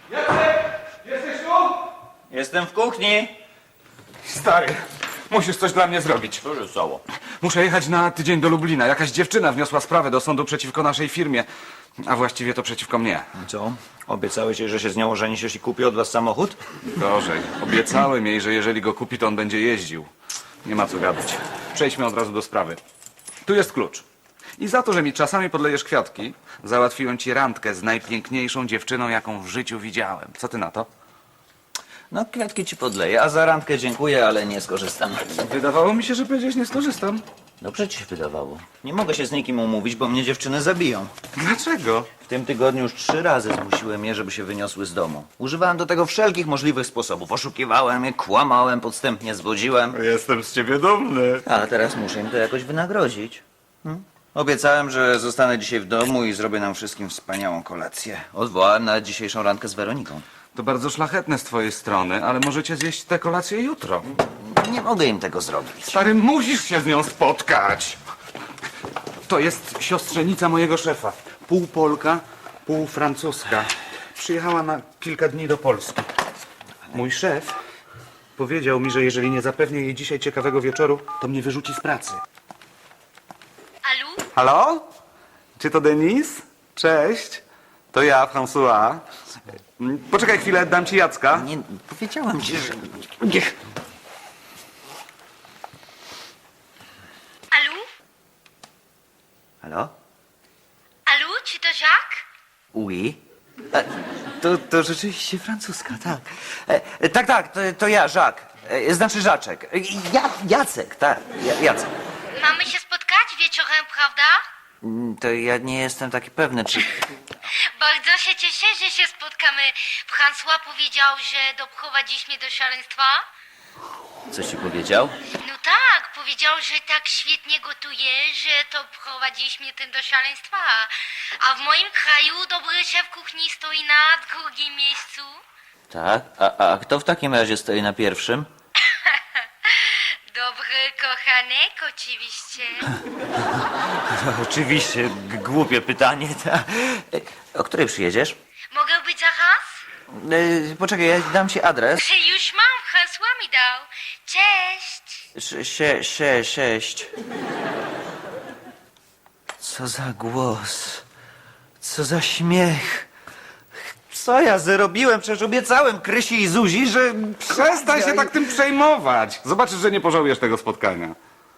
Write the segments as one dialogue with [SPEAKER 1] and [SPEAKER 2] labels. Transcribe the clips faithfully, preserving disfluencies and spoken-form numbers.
[SPEAKER 1] Jacek! Jesteś tu?
[SPEAKER 2] Jestem w kuchni.
[SPEAKER 1] Stary, musisz coś dla mnie zrobić.
[SPEAKER 2] Co się stało?
[SPEAKER 1] Muszę jechać na tydzień do Lublina. Jakaś dziewczyna wniosła sprawę do sądu przeciwko naszej firmie. A właściwie to przeciwko mnie.
[SPEAKER 2] Co? Obiecałeś jej, że się z nią ożenisz, jeśli kupi od was samochód?
[SPEAKER 1] Gorzej. Obiecałem jej, że jeżeli go kupi, to on będzie jeździł. Nie ma co gadać. Przejdźmy od razu do sprawy. Tu jest klucz. I za to, że mi czasami podlejesz kwiatki, załatwiłem ci randkę z najpiękniejszą dziewczyną, jaką w życiu widziałem. Co ty na to?
[SPEAKER 2] No, kwiatki ci podleję, a za randkę dziękuję, ale nie skorzystam.
[SPEAKER 1] Wydawało mi się, że powiedziałeś, nie skorzystam.
[SPEAKER 2] Dobrze ci się wydawało. Nie mogę się z nikim umówić, bo mnie dziewczyny zabiją.
[SPEAKER 1] Dlaczego?
[SPEAKER 2] W tym tygodniu już trzy razy zmusiłem je, żeby się wyniosły z domu. Używałem do tego wszelkich możliwych sposobów. Oszukiwałem je, kłamałem, podstępnie zwodziłem.
[SPEAKER 1] Jestem z ciebie dumny.
[SPEAKER 2] Ale teraz muszę im to jakoś wynagrodzić. Hmm? Obiecałem, że zostanę dzisiaj w domu i zrobię nam wszystkim wspaniałą kolację. Odwołałem nawet dzisiejszą randkę z Weroniką.
[SPEAKER 1] To bardzo szlachetne z twojej strony, ale możecie zjeść tę kolację jutro.
[SPEAKER 2] Nie mogę im tego zrobić.
[SPEAKER 1] Stary, musisz się z nią spotkać. To jest siostrzenica mojego szefa. Pół Polka, pół Francuska. Przyjechała na kilka dni do Polski. Mój szef powiedział mi, że jeżeli nie zapewnię jej dzisiaj ciekawego wieczoru, to mnie wyrzuci z pracy.
[SPEAKER 3] Alu?
[SPEAKER 1] Halo? Czy to Denis? Cześć. To ja, François. Poczekaj chwilę, dam ci Jacka.
[SPEAKER 2] Nie, powiedziałem ci, że...
[SPEAKER 3] Alu?
[SPEAKER 2] Halo?
[SPEAKER 3] Alu, czy to Jacques?
[SPEAKER 2] Oui? E, to, to rzeczywiście francuska, tak. E, e, tak, tak, to, to ja, Jacques. E, znaczy Żaczek. E, ja, Jacek, tak, ja, Jacek.
[SPEAKER 3] Mamy się spotkać wieczorem, prawda?
[SPEAKER 2] Mm, To ja nie jestem taki pewny, czy...
[SPEAKER 3] Bardzo się cieszę, że się spotkamy. François powiedział, że doprowadzisz mnie do szaleństwa.
[SPEAKER 2] Co ci powiedział?
[SPEAKER 3] No tak, powiedział, że tak świetnie gotujesz, że to prowadzisz mnie tym do szaleństwa. A w moim kraju dobry szef kuchni stoi na drugim miejscu.
[SPEAKER 2] Tak? A, a kto w takim razie stoi na pierwszym?
[SPEAKER 3] Dobry kochanek, oczywiście.
[SPEAKER 2] Oczywiście, g- głupie pytanie. Ta. E, O której przyjedziesz?
[SPEAKER 3] Mogę być zaraz?
[SPEAKER 2] E, poczekaj, ja dam ci adres.
[SPEAKER 3] Że już mam, François mi dał. Cześć.
[SPEAKER 2] Sz- Sie, sie, sześć. Co za głos. Co za śmiech. Co ja zrobiłem? Przecież obiecałem Krysi i Zuzi, że...
[SPEAKER 1] Przestań się tak tym przejmować. Zobaczysz, że nie pożałujesz tego spotkania.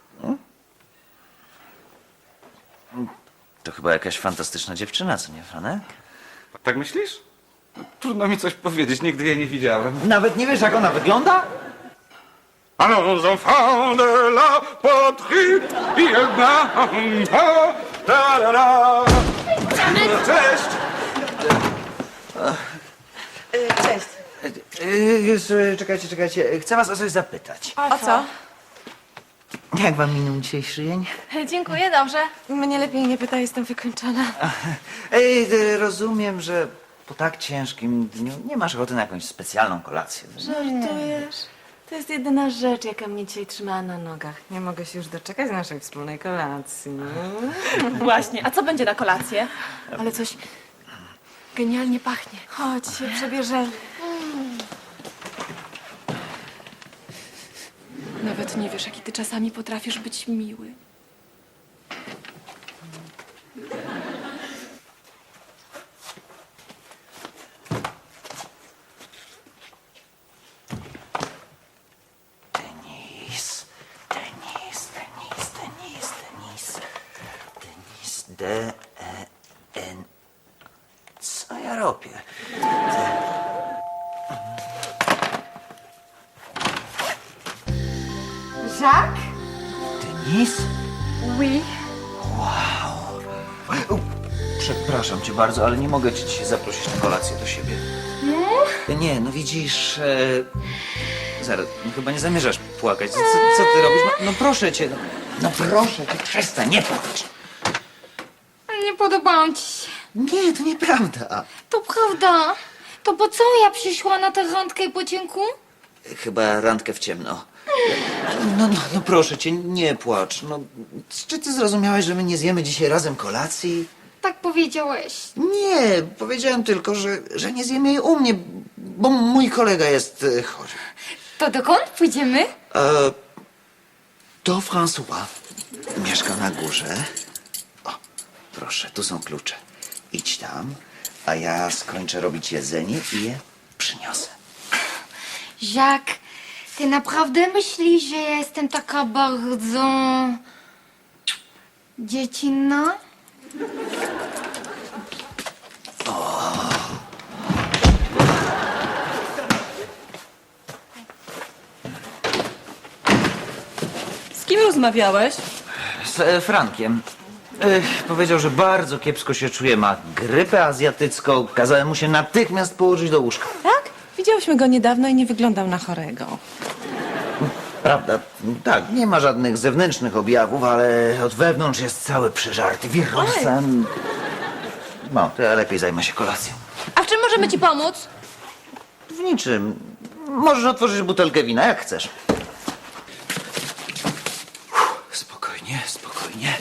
[SPEAKER 2] To chyba jakaś fantastyczna dziewczyna, co nie, Franek?
[SPEAKER 1] Tak myślisz? Trudno mi coś powiedzieć, nigdy jej nie widziałem.
[SPEAKER 2] Nawet nie wiesz, jak ona wygląda?
[SPEAKER 1] Allons, enfants de la patrie, jedna, ta, la, la. Cześć!
[SPEAKER 4] Cześć.
[SPEAKER 2] E, e, Czekajcie, czekajcie. Chcę was o coś zapytać.
[SPEAKER 4] O co?
[SPEAKER 2] Jak wam minął dzisiejszy dzień?
[SPEAKER 4] Dziękuję, dobrze. Mnie lepiej nie pytaj, jestem wykończona.
[SPEAKER 2] Ej, e, rozumiem, że po tak ciężkim dniu nie masz ochoty na jakąś specjalną kolację.
[SPEAKER 4] Żartujesz? To jest jedyna rzecz, jaka mnie dzisiaj trzymała na nogach. Nie mogę się już doczekać naszej wspólnej kolacji.
[SPEAKER 5] Właśnie, a co będzie na kolację?
[SPEAKER 4] Ale coś genialnie pachnie. Chodź, się przebierzemy.
[SPEAKER 5] Nawet nie wiesz, jaki ty czasami potrafisz być miły.
[SPEAKER 2] Denis, Denis, Denis, Denis, Denis, Denis, D, E, N. Co ja robię?
[SPEAKER 4] Jacques?
[SPEAKER 2] Denis?
[SPEAKER 4] Oui.
[SPEAKER 2] Przepraszam cię bardzo, ale nie mogę cię dzisiaj zaprosić na kolację do siebie. Nie? Nie, no widzisz... E... Zaraz, no chyba nie zamierzasz płakać. Co, co ty robisz? No, no proszę cię, no, no proszę cię, przestań, nie płacz.
[SPEAKER 3] Nie podobałam ci się.
[SPEAKER 2] Nie, to nieprawda.
[SPEAKER 3] To prawda. To po co ja przyszła na tę randkę po cienku?
[SPEAKER 2] Chyba randkę w ciemno. No, no, no proszę cię, nie płacz. No, czy ty zrozumiałeś, że my nie zjemy dzisiaj razem kolacji?
[SPEAKER 3] tak powiedziałeś.
[SPEAKER 2] Nie, powiedziałem tylko, że, że nie zjemy jej u mnie, bo mój kolega jest e, chory.
[SPEAKER 3] To dokąd pójdziemy?
[SPEAKER 2] E, to François. Mieszka na górze. O, proszę, tu są klucze. Idź tam, a ja skończę robić jedzenie i je przyniosę.
[SPEAKER 3] Jacques, ty naprawdę myślisz, że ja jestem taka bardzo... dziecinna?
[SPEAKER 5] Z kim rozmawiałeś?
[SPEAKER 2] Z e, Frankiem. Ech, powiedział, że bardzo kiepsko się czuje, ma grypę azjatycką. Kazałem mu się natychmiast położyć do łóżka.
[SPEAKER 4] Tak? Widziałyśmy go niedawno i nie wyglądał na chorego.
[SPEAKER 2] Prawda, tak, nie ma żadnych zewnętrznych objawów, ale od wewnątrz jest cały przeżarty wirusem. No, to ja lepiej zajmę się kolacją.
[SPEAKER 5] A w czym możemy ci pomóc?
[SPEAKER 2] W niczym. Możesz otworzyć butelkę wina, jak chcesz. Uff, spokojnie, spokojnie.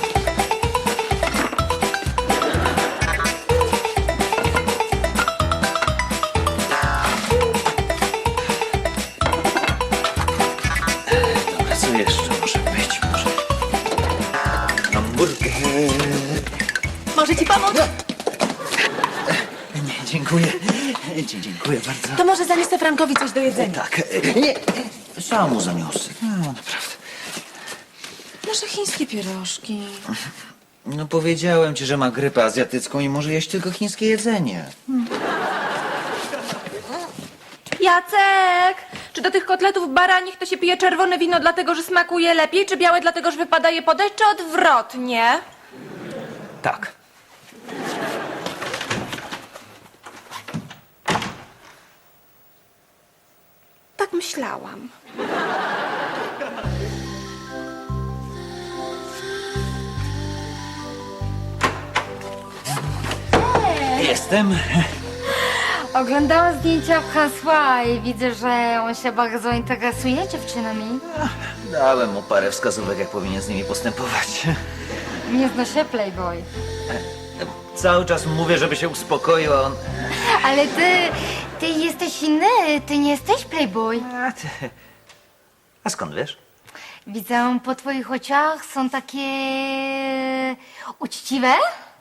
[SPEAKER 2] Dobra, co jeszcze może być? Może hamburger.
[SPEAKER 5] Może ci pomóc?
[SPEAKER 2] Nie, dziękuję. Dzie- Dziękuję bardzo.
[SPEAKER 4] To może zaniosę Frankowi coś do jedzenia.
[SPEAKER 2] Tak, nie, sam mu zaniosę. No, naprawdę.
[SPEAKER 4] Nasze chińskie pierożki.
[SPEAKER 2] No powiedziałem ci, że ma grypę azjatycką i może jeść tylko chińskie jedzenie.
[SPEAKER 5] Jacek! Czy do tych kotletów baranich to się pije czerwone wino dlatego, że smakuje lepiej, czy białe dlatego, że wypada je podać, czy odwrotnie?
[SPEAKER 2] Tak.
[SPEAKER 5] Tak myślałam.
[SPEAKER 2] Jestem.
[SPEAKER 3] Oglądałam zdjęcia François i widzę, że on się bardzo interesuje dziewczynami.
[SPEAKER 2] Dałem mu parę wskazówek, jak powinien z nimi postępować.
[SPEAKER 3] Nie znoszę Playboy.
[SPEAKER 2] Cały czas mówię, żeby się uspokoił, a on...
[SPEAKER 3] Ale ty, ty jesteś inny, ty nie jesteś Playboy.
[SPEAKER 2] A, ty... a skąd wiesz?
[SPEAKER 3] Widzę po twoich oczach, są takie uczciwe.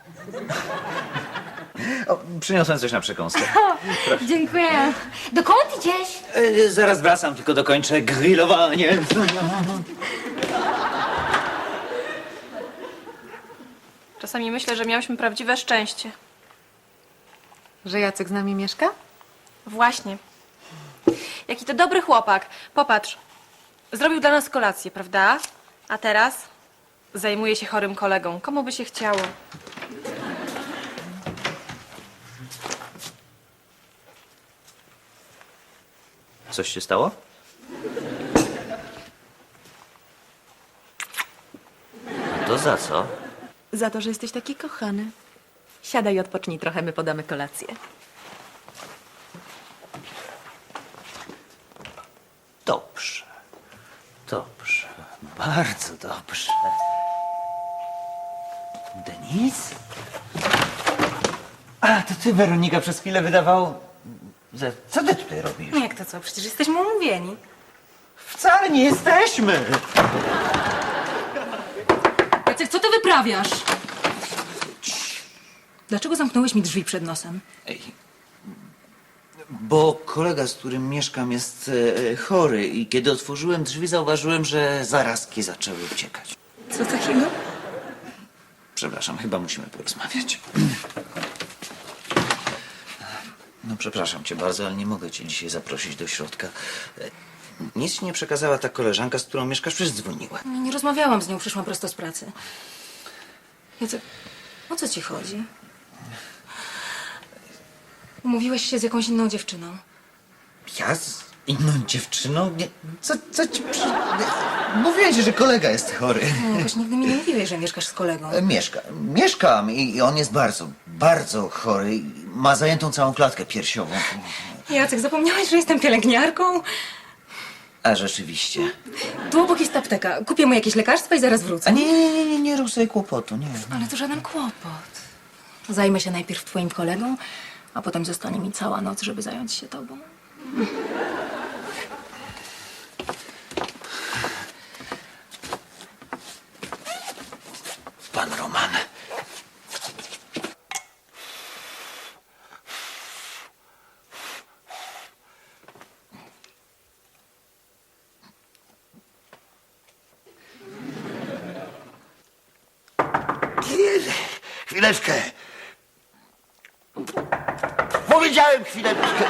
[SPEAKER 2] O, przyniosłem coś na przekąskę.
[SPEAKER 3] Dziękuję. Dokąd idziesz?
[SPEAKER 2] E, zaraz wracam, tylko dokończę grillowanie.
[SPEAKER 5] Czasami myślę, że miałyśmy prawdziwe szczęście.
[SPEAKER 4] Że Jacek z nami mieszka?
[SPEAKER 5] Właśnie. Jaki to dobry chłopak. Popatrz. Zrobił dla nas kolację, prawda? A teraz zajmuje się chorym kolegą. Komu by się chciało?
[SPEAKER 2] Coś się stało? A to za co?
[SPEAKER 4] Za to, że jesteś taki kochany. Siadaj i odpocznij trochę, my podamy kolację.
[SPEAKER 2] Dobrze. Dobrze. Bardzo dobrze. Denis? A, to ty, Weronika, przez chwilę wydawało... że- Co ty tutaj robisz?
[SPEAKER 4] Jak to co? Przecież jesteśmy umówieni.
[SPEAKER 2] Wcale nie jesteśmy!
[SPEAKER 6] Jacek, co ty wyprawiasz? Dlaczego zamknąłeś mi drzwi przed nosem?
[SPEAKER 2] Ej, bo kolega, z którym mieszkam, jest e, chory i kiedy otworzyłem drzwi, zauważyłem, że zarazki zaczęły uciekać.
[SPEAKER 6] Co takiego?
[SPEAKER 2] Przepraszam, chyba musimy porozmawiać. No przepraszam cię bardzo, ale nie mogę cię dzisiaj zaprosić do środka. E, Nic ci nie przekazała ta koleżanka, z którą mieszkasz, przecież dzwoniła.
[SPEAKER 6] Nie, nie rozmawiałam z nią, przyszłam prosto z pracy. Jacek, o co ci chodzi? Umówiłeś się z jakąś inną dziewczyną.
[SPEAKER 2] Ja z inną dziewczyną? Nie, co, co ci przy... nie, mówiłem ci, że kolega jest chory.
[SPEAKER 6] No, jakoś nigdy mi nie mówiłeś, że mieszkasz z kolegą.
[SPEAKER 2] E, Mieszka, mieszkam i i on jest bardzo, bardzo chory. i Ma zajętą całą klatkę piersiową.
[SPEAKER 6] Jacek, zapomniałeś, że jestem pielęgniarką?
[SPEAKER 2] A rzeczywiście.
[SPEAKER 6] Tu obok jest apteka. Kupię mu jakieś lekarstwa i zaraz
[SPEAKER 2] A
[SPEAKER 6] wrócę.
[SPEAKER 2] nie, nie, nie, nie, nie rób sobie kłopotu, nie.
[SPEAKER 6] Ale to żaden kłopot. Zajmę się najpierw twoim kolegą, a potem zostanie mi cała noc, żeby zająć się tobą.
[SPEAKER 2] Pan Roman.
[SPEAKER 7] Chwileczkę. Powiedziałem chwileczkę.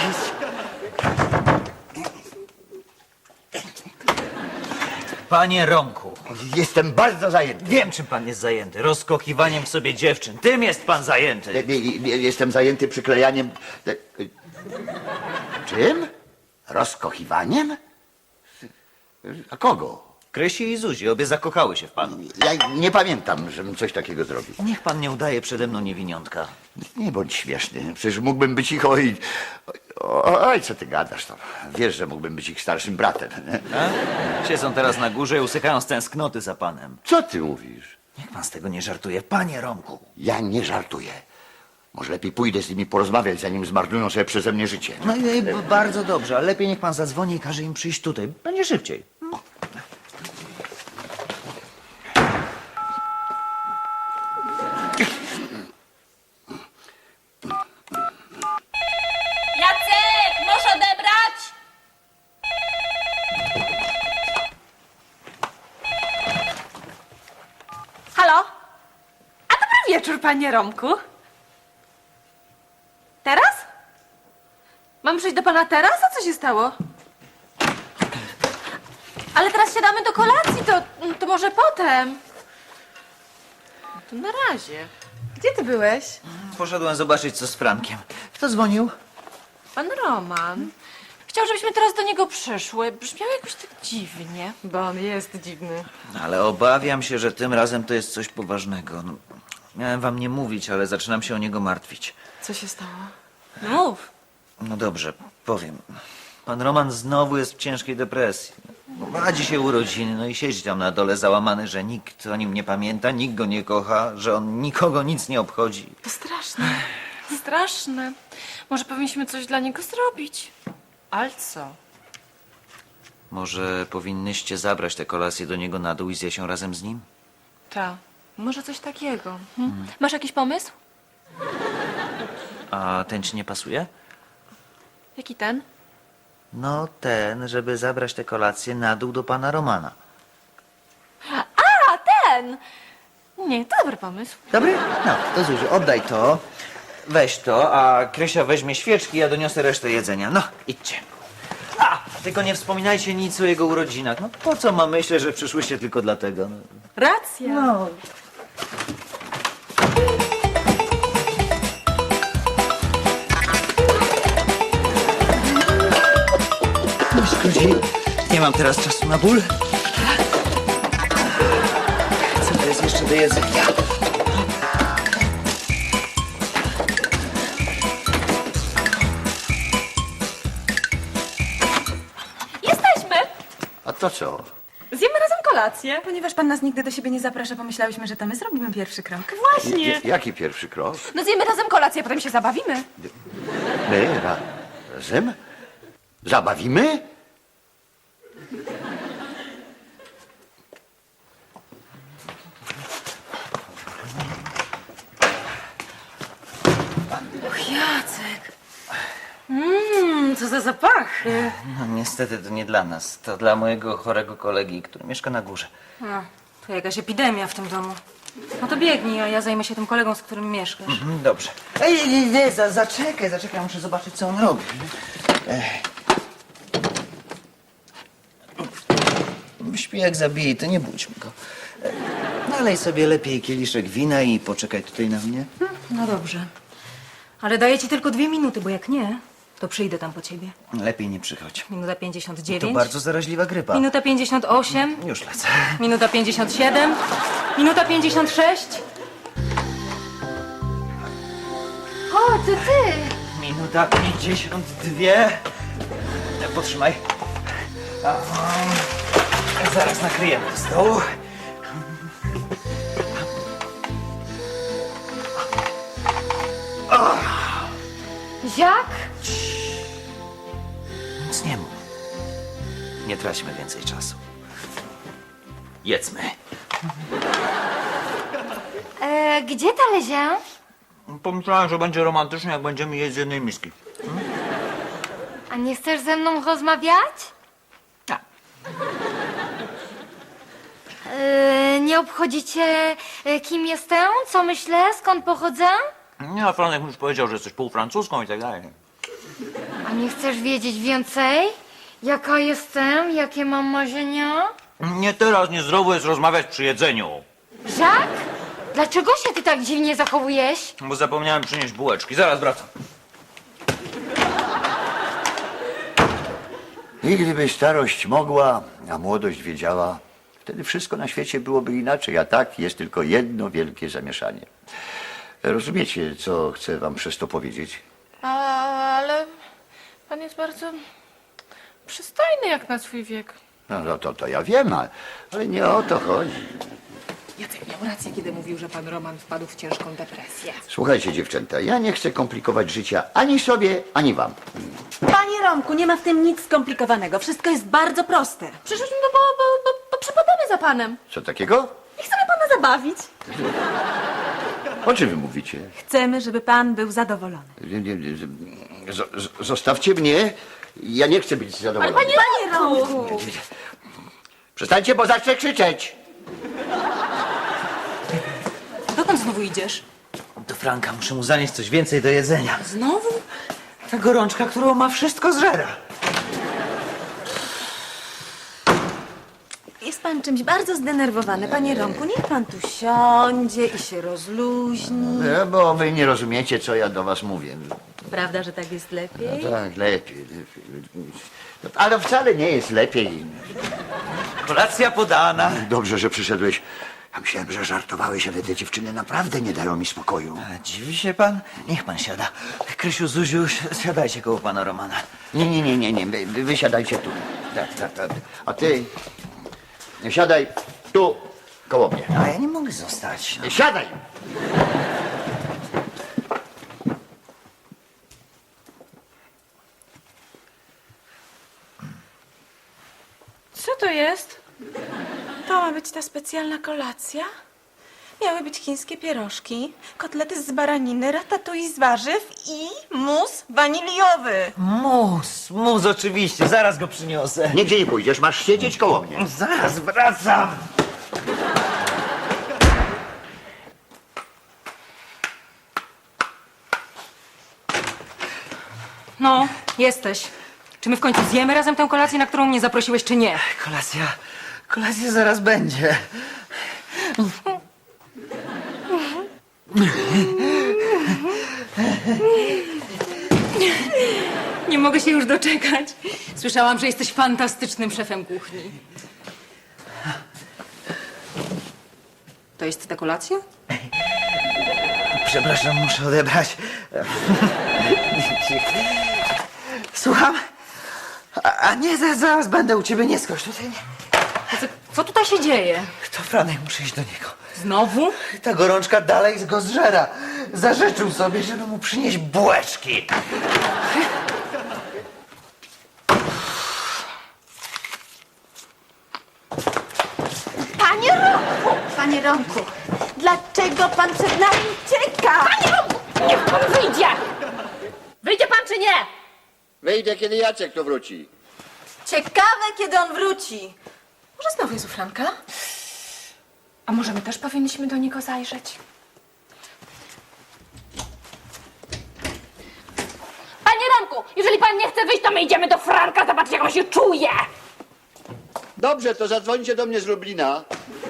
[SPEAKER 2] Panie Romku,
[SPEAKER 7] Jestem bardzo zajęty.
[SPEAKER 2] wiem czym pan jest zajęty. Rozkochiwaniem w sobie dziewczyn. Tym jest pan zajęty.
[SPEAKER 7] Nie, nie, nie, Jestem zajęty przyklejaniem. Czym? Rozkochiwaniem? A kogo?
[SPEAKER 2] Krysi i Zuzi, obie zakochały się w panu.
[SPEAKER 7] Ja nie pamiętam, żebym coś takiego zrobił.
[SPEAKER 2] Niech pan nie udaje przede mną niewiniątka.
[SPEAKER 7] Nie bądź śmieszny. Przecież mógłbym być ich oj... Oj, co ty gadasz to? Wiesz, że mógłbym być ich starszym bratem. Nie?
[SPEAKER 2] A? Siedzą teraz na górze i usychają z tęsknoty za panem.
[SPEAKER 7] Co ty mówisz?
[SPEAKER 2] Niech pan z tego nie żartuje. Panie Romku.
[SPEAKER 7] Ja nie żartuję. Może lepiej pójdę z nimi porozmawiać, zanim zmarnują sobie przeze mnie życie.
[SPEAKER 2] No i, i bardzo dobrze, ale lepiej niech pan zadzwoni i każe im przyjść tutaj. Będzie szybciej.
[SPEAKER 5] Jacek, możesz odebrać? Halo? A dobry wieczór, panie Romku. Teraz? Mam przyjść do pana teraz? A co się stało? Ale teraz siadamy do kolacji, to, to może potem. No to na razie. Gdzie ty byłeś?
[SPEAKER 2] Poszedłem zobaczyć, co z Frankiem. Kto dzwonił?
[SPEAKER 5] Pan Roman. Chciał, żebyśmy teraz do niego przyszły. Brzmiał jakoś tak dziwnie.
[SPEAKER 4] Bo on jest dziwny.
[SPEAKER 2] Ale obawiam się, że tym razem to jest coś poważnego. No, miałem wam nie mówić, ale zaczynam się o niego martwić.
[SPEAKER 4] Co się stało?
[SPEAKER 5] Mów.
[SPEAKER 2] No dobrze, powiem. Pan Roman znowu jest w ciężkiej depresji. Ma dzisiaj urodziny, no i siedzi tam na dole załamany, że nikt o nim nie pamięta, nikt go nie kocha, że on nikogo nic nie obchodzi.
[SPEAKER 5] To straszne. Straszne. Może powinniśmy coś dla niego zrobić. Ale co?
[SPEAKER 2] Może powinnyście zabrać tę kolację do niego na dół i zjeść ją razem z nim?
[SPEAKER 5] Ta. Może coś takiego. Hm? Masz jakiś pomysł?
[SPEAKER 2] A ten ci nie pasuje?
[SPEAKER 5] Jaki ten?
[SPEAKER 2] No ten, żeby zabrać tę kolację na dół do pana Romana.
[SPEAKER 5] A, ten! Nie, to dobry pomysł.
[SPEAKER 2] Dobry? No, to Zuziu, oddaj to. Weź to, a Krysia weźmie świeczki, ja doniosę resztę jedzenia. No, idźcie. A, tylko nie wspominajcie nic o jego urodzinach. No po co ma myśleć, że przyszłyście tylko dlatego? No.
[SPEAKER 5] Racja.
[SPEAKER 2] No. No szkodzi. Nie mam teraz czasu na ból. Co to jest jeszcze do jedzenia?
[SPEAKER 5] Jesteśmy!
[SPEAKER 7] A to co?
[SPEAKER 5] Zjemy razem kolację.
[SPEAKER 6] Ponieważ pan nas nigdy do siebie nie zaprasza, pomyślałyśmy, że to my zrobimy pierwszy krok.
[SPEAKER 5] Właśnie.
[SPEAKER 7] J- jaki pierwszy krok?
[SPEAKER 5] No zjemy razem kolację, a potem się zabawimy.
[SPEAKER 7] My ra- razem? Zabawimy?
[SPEAKER 6] Jacek! Mmm, co za zapachy!
[SPEAKER 2] No niestety to nie dla nas. To dla mojego chorego kolegi, który mieszka na górze.
[SPEAKER 6] No, to jakaś epidemia w tym domu. No to biegnij, a ja zajmę się tym kolegą, z którym mieszkasz.
[SPEAKER 2] Mhm, dobrze. Ej, nie, nie, za, zaczekaj, zaczekaj, muszę zobaczyć, co on robi. Ech. Śpi jak zabije, to nie budźmy go. E, Nalej sobie lepiej kieliszek wina i poczekaj tutaj na mnie.
[SPEAKER 6] No dobrze. Ale daję ci tylko dwie minuty, bo jak nie, to przyjdę tam po ciebie.
[SPEAKER 2] Lepiej nie przychodź.
[SPEAKER 6] Minuta pięćdziesiąt
[SPEAKER 2] To
[SPEAKER 6] dziewięć.
[SPEAKER 2] bardzo zaraźliwa grypa.
[SPEAKER 6] Minuta pięćdziesiąt osiem.
[SPEAKER 2] Już lecę.
[SPEAKER 6] Minuta pięćdziesiąt siedem. Minuta pięćdziesiąt sześć.
[SPEAKER 3] O, to ty!
[SPEAKER 2] Minuta pięćdziesiąt dwie. E, Potrzymaj. A, zaraz nakryjemy do stołu.
[SPEAKER 3] Jak?
[SPEAKER 2] Nic nie mów. Nie traćmy więcej czasu. Jedzmy.
[SPEAKER 3] E, gdzie talerze?
[SPEAKER 2] Pomyślałem, że będzie romantycznie, jak będziemy jeść z jednej miski.
[SPEAKER 3] A nie chcesz ze mną rozmawiać?
[SPEAKER 2] Tak.
[SPEAKER 3] E, nie obchodzicie, e, kim jestem, co myślę, skąd pochodzę?
[SPEAKER 2] Nie, a Franek już powiedział, że jesteś półfrancuską i tak dalej.
[SPEAKER 3] A nie chcesz wiedzieć więcej? Jaka jestem? Jakie mam marzenia?
[SPEAKER 2] Nie teraz, niezdrowo jest rozmawiać przy jedzeniu.
[SPEAKER 3] Jak? Dlaczego się ty tak dziwnie zachowujesz?
[SPEAKER 2] Bo zapomniałem przynieść bułeczki. Zaraz wracam.
[SPEAKER 7] I gdyby starość mogła, a młodość wiedziała, wtedy wszystko na świecie byłoby inaczej, a tak jest tylko jedno wielkie zamieszanie. Rozumiecie, co chcę wam przez to powiedzieć?
[SPEAKER 5] Ale pan jest bardzo przystojny jak na swój wiek.
[SPEAKER 7] No, no to, to ja wiem, a- ale nie o to chodzi.
[SPEAKER 6] Jacek miał rację, kiedy mówił, że pan Roman wpadł w ciężką depresję.
[SPEAKER 7] Słuchajcie, dziewczęta, ja nie chcę komplikować życia ani sobie, ani wam.
[SPEAKER 4] Panie Romku, nie ma w tym nic skomplikowanego. Wszystko jest bardzo proste.
[SPEAKER 5] Przyszliśmy, bo, bo, bo, bo, bo przypadamy za panem.
[SPEAKER 7] Co takiego?
[SPEAKER 4] I chcemy pana zabawić.
[SPEAKER 7] O czym wy mówicie?
[SPEAKER 4] Chcemy, żeby pan był zadowolony.
[SPEAKER 7] Nie, nie, nie, z- z- Zostawcie mnie, ja nie chcę być zadowolony.
[SPEAKER 4] Panie Romku!
[SPEAKER 7] Przestańcie, bo zacznę krzyczeć.
[SPEAKER 6] Dokąd znowu idziesz?
[SPEAKER 2] Do Franka muszę mu zanieść coś więcej do jedzenia.
[SPEAKER 6] Znowu?
[SPEAKER 2] Ta gorączka, którą ma, wszystko zżera.
[SPEAKER 4] Jest pan czymś bardzo zdenerwowany. Panie Romku, niech pan tu siądzie i się rozluźni.
[SPEAKER 7] No, bo wy nie rozumiecie, co ja do was mówię.
[SPEAKER 4] Prawda, że tak jest lepiej?
[SPEAKER 7] No tak, lepiej, lepiej. No, ale wcale nie jest lepiej.
[SPEAKER 2] Kolacja podana.
[SPEAKER 7] Dobrze, że przyszedłeś. Ja myślałem, że żartowałeś, ale te dziewczyny naprawdę nie dają mi spokoju.
[SPEAKER 2] A dziwi się pan? Niech pan siada. Krysiu, Zuziu, si- siadajcie koło pana Romana.
[SPEAKER 7] Nie, nie, nie, nie, nie. Wy, wy wy siadajcie tu. Tak, tak, tak. A ty siadaj tu koło mnie.
[SPEAKER 2] A ja nie mogę zostać. No.
[SPEAKER 7] Siadaj!
[SPEAKER 5] Co to jest?
[SPEAKER 8] To ma być ta specjalna kolacja? Miały być chińskie pierożki, kotlety z baraniny, ratatouille z warzyw i mus waniliowy.
[SPEAKER 2] Mus, mus oczywiście, zaraz go przyniosę.
[SPEAKER 7] Nigdzie nie pójdziesz, masz siedzieć koło mnie.
[SPEAKER 2] Zaraz wracam.
[SPEAKER 6] No, jesteś. Czy my w końcu zjemy razem tę kolację, na którą mnie zaprosiłeś, czy nie?
[SPEAKER 2] Kolacja, kolacja zaraz będzie.
[SPEAKER 6] Nie mogę się już doczekać. Słyszałam, że jesteś fantastycznym szefem kuchni. To jest ta kolacja?
[SPEAKER 2] Przepraszam, muszę odebrać. Słucham? A, a nie, za- zaraz będę u ciebie, nie skocz tutaj. Nie.
[SPEAKER 6] Co, co tutaj się dzieje?
[SPEAKER 2] To Franek, muszę iść do niego.
[SPEAKER 6] Znowu?
[SPEAKER 2] Ta gorączka dalej go zżera. Zażyczył sobie, żeby mu przynieść bułeczki.
[SPEAKER 8] Panie Romku! Panie Romku, dlaczego pan przed nami ucieka? Panie Romku, niech pan wyjdzie! Wyjdzie pan czy nie?
[SPEAKER 7] Wyjdę, kiedy Jacek tu wróci.
[SPEAKER 8] Ciekawe, kiedy on wróci.
[SPEAKER 5] Może znowu jest u Franka? A może my też powinniśmy do niego zajrzeć?
[SPEAKER 3] Panie Romku, jeżeli pan nie chce wyjść, to my idziemy do Franka, zobaczyć jak on się czuje.
[SPEAKER 7] Dobrze, to zadzwońcie do mnie z Lublina.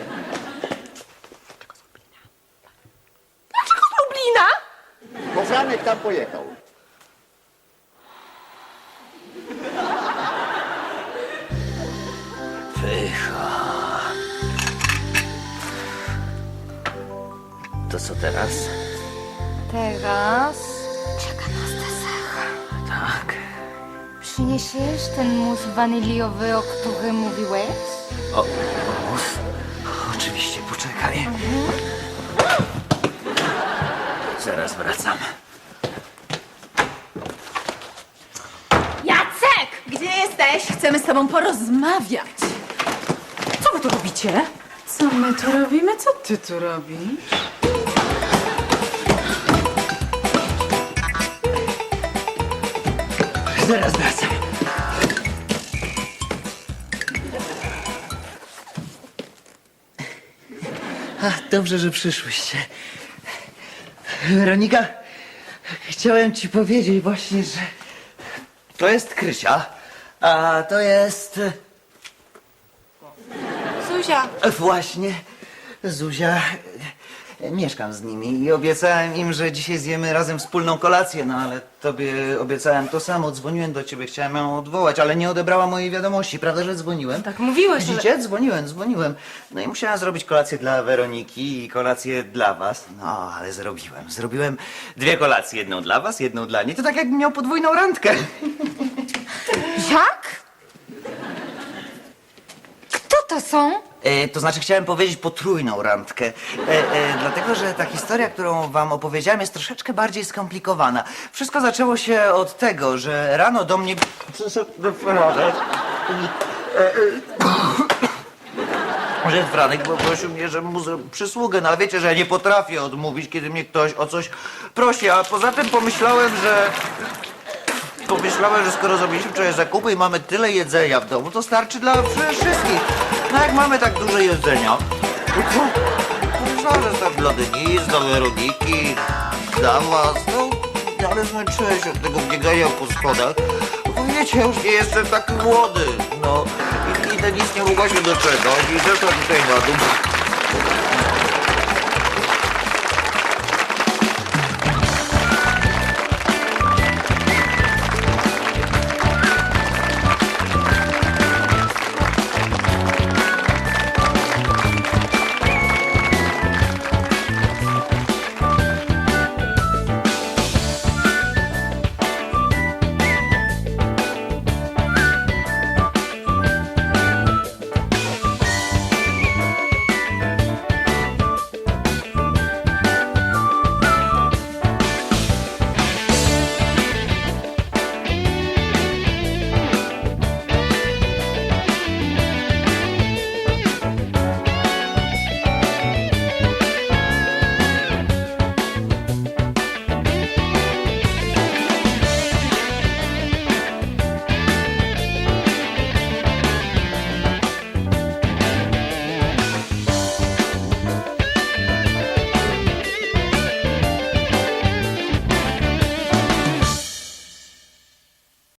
[SPEAKER 5] Dlaczego z Lublina?
[SPEAKER 7] Bo Franek tam pojechał.
[SPEAKER 2] Pycha. To co teraz?
[SPEAKER 3] Teraz czeka nas deser.
[SPEAKER 2] Tak.
[SPEAKER 3] Przyniesiesz ten mus waniliowy, o którym mówiłeś?
[SPEAKER 2] O, mus? Oczywiście, poczekaj. Zaraz wracam.
[SPEAKER 8] Cześć, chcemy z tobą porozmawiać. Co wy tu robicie?
[SPEAKER 4] Co my tu robimy? Co ty tu robisz?
[SPEAKER 2] Zaraz wracam. Ach, dobrze, że przyszłyście. Weronika, chciałem ci powiedzieć właśnie, że to jest Krysia, a to jest
[SPEAKER 5] Zuzia,
[SPEAKER 2] właśnie Zuzia. Mieszkam z nimi i obiecałem im, że dzisiaj zjemy razem wspólną kolację, no ale tobie obiecałem to samo. Dzwoniłem do ciebie, chciałem ją odwołać, ale nie odebrała mojej wiadomości. Prawda, że dzwoniłem?
[SPEAKER 5] tak mówiłeś, ale...
[SPEAKER 2] Widzicie? Dzwoniłem, dzwoniłem. No i musiałem zrobić kolację dla Weroniki i kolację dla was. No, ale zrobiłem. Zrobiłem dwie kolacje. Jedną dla was, jedną dla niej. To tak jakbym miał podwójną randkę.
[SPEAKER 3] Jak? Kto to są?
[SPEAKER 2] E, to znaczy chciałem powiedzieć potrójną randkę. E, e, dlatego, że ta historia, którą wam opowiedziałem, jest troszeczkę bardziej skomplikowana. Wszystko zaczęło się od tego, że rano do mnie... Przyszedł Franek. E, e, że Franek poprosił mnie, żebym mu zrobił przysługę, no ale wiecie, że ja nie potrafię odmówić, kiedy mnie ktoś o coś prosi, a poza tym pomyślałem, że... Pomyślałem, że skoro zrobiliśmy wczoraj zakupy i mamy tyle jedzenia w domu, to starczy dla wszystkich. No jak mamy tak dużo jedzenia, no to pomyślałem, że tak dla Denise, dla Weroniki, dla was, no ale zmęczyłem się od tego biegania po schodach. Bo wiecie, ja już nie jestem taki młody, no i, i Denise nie mogła się doczekać i zeszła tutaj na dół.